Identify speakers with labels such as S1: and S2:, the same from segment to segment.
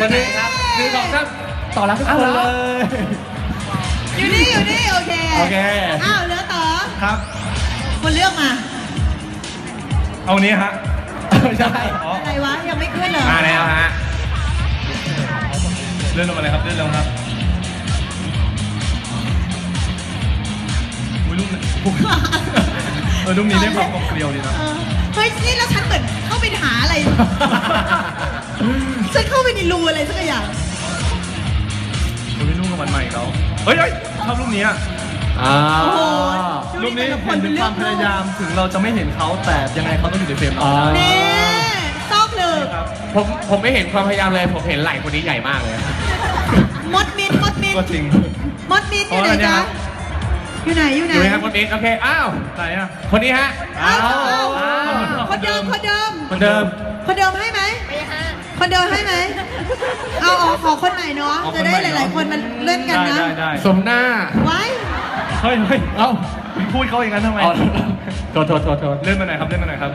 S1: ไหนครับคือของท่านต่อรับทุกคนเลย
S2: อยู่นี่โอเค
S1: โอเค
S2: อ้าวเหลือต่อ
S3: ครับ
S2: คนเลือกมา
S3: เอานี้ฮะ
S1: ใช่
S2: อะไรวะยังไม่ขึ้นเหรอ
S1: มาแล้วฮะ
S3: เลื่อนลงมาเลยครับเลื่อนลงครับอุ้ยลูกนี้ลูกนี้ได้ความกลมเกลียวดีนะ
S2: เฮ้ยนี่แล้วฉันเหมือนเข้าไปหาอะไร ฉันเข้าไปในรูอะไรสักอย่าง
S3: อุ้ยลูกกับมันใหม่เขาเฮ้ยชอบลูกนี้
S1: อ่า
S2: โอ้โห
S3: ลูกนี้เห็นถึงความพยายามถึงเราจะไม่เห็นเขาแต่ยังไงเขาต้องอยู่ในเฟรมเรา
S2: เน่ซอกเลย
S3: ครับ
S1: ผมไม่เห็นความพยายามเลยผมเห็นไหล่คนนี้ใหญ่มากเลย
S2: มดมิน
S3: ก็จริง
S2: อยู่ไหนจ๊ะอยู่ไหน
S1: อยู่ไหมครับคนนี้โอเคอ้าว
S3: ไหนอ่ะ
S1: คนนี้ฮะ
S2: อ้าว
S1: อ้าว
S2: คนเดิม
S1: คนเดิม
S2: คนเดิมให้ไหมคนเดิมให้ไหมเอาขอคนใหม่เนาะจะได้หลายๆคนมันเล่นกันนะ
S3: ได้
S1: สมหน้า
S2: ไว้
S3: เฮ้ย
S1: เอ้า
S3: พูดเขาอย่างนั้นทำไม
S1: อ๋อโทษ
S3: เลื่อนมาหน่อยครับเลื่อนมาหน่อยครับ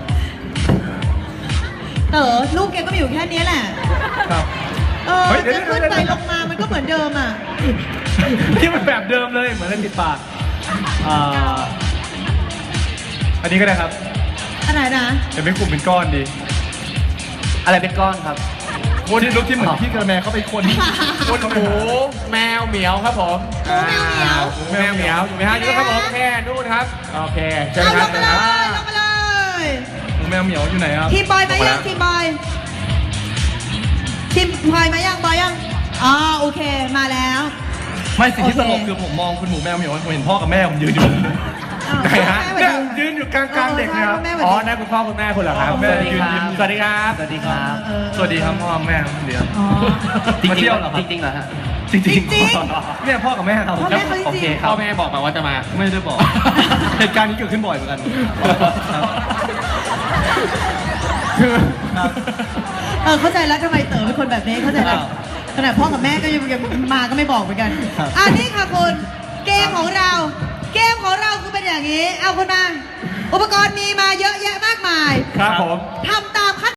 S2: เต๋อลูกแกก็มีอยู่แค่นี้แหละ
S3: ครับ เฮ้ยเดี๋ยว
S2: จะขึ้นไปลงมามันก็เหมือนเดิมอ่ะ
S3: ที่มันแบบเดิมเลยเหมือนเล่นติดปากอันนี้ก็ได้ครับ
S2: อันไหนนะ
S3: จะเป็นกลุ่มเป็นก้อนดี
S1: อะไรเป็นก้อนครับ
S3: คนที่ลุกที่เหมือนพี่กระแมเขาไปคน
S1: คนหมูแมวเหมียวครับผม
S2: หมูแมวเหมียว
S1: แมวเหมียวอยู่ไหมฮะอยู่ครับผมโอเคนู่นครับโอเคเชิญ
S2: เอา
S1: ค
S2: ล
S1: รับ
S2: งมาเลยลงมาเลย
S3: หมูแมวเหมียวอยู่ไหนครับ
S2: ทีมบอยมายังทีมบอยทีมบอยมายังบอยยังอ๋อโอเคมาแล้ว
S3: ไม่สิ่งที่
S2: โอ
S3: ต
S2: เค
S3: ลกคือผมมองคุณหมูแมวเหมียวผมเห็นพ่อกับแม่ผมยืนอยู่
S1: ไหนฮะ
S2: แม่
S3: เนี่ย
S2: สวัสดี
S3: ยืนอยู่กลางๆเด็กนะครับ
S2: แม่
S1: อ๋อนั่นคุณพ่อคุณแม่คุณเหรอครับ
S3: แม่
S1: สวัสดีครับ
S3: ยืน
S1: สวัสดีครับ
S4: สวัสดีครับ
S3: สวัสดีครับพ่อแม่ครับเดี๋ยว
S2: อ๋อ
S3: มาเที่ยวเหรอครับ
S4: จริงๆเหรอฮะ
S3: จริง
S2: จริง
S3: เนี่ยพ่อกับแม่ครับ
S2: พ่อแม่เขาจริงๆ
S3: โอเคครั
S1: พ่
S3: บ
S1: อแม่บอกมาว่าจะมา
S3: ไม่ได้บอก เหตุการณ์นี้เกิดขึ้นบ่อยเหมือนกันครับ
S2: เข้าใจแล้วทำไมเต๋อเป็นคนแบบนี้เข้าใจแล้วขนาดพ่อกับแม่ก็ยังมาก็ไม่บอกเหมือนกันนี่ค่ะคุณเกมของเราคือเป็นอย่างนี้เอาคุณมาอุปกรณ์มีมาเยอะแยะมากมาย
S1: ครับผม
S2: ทำตามขั้น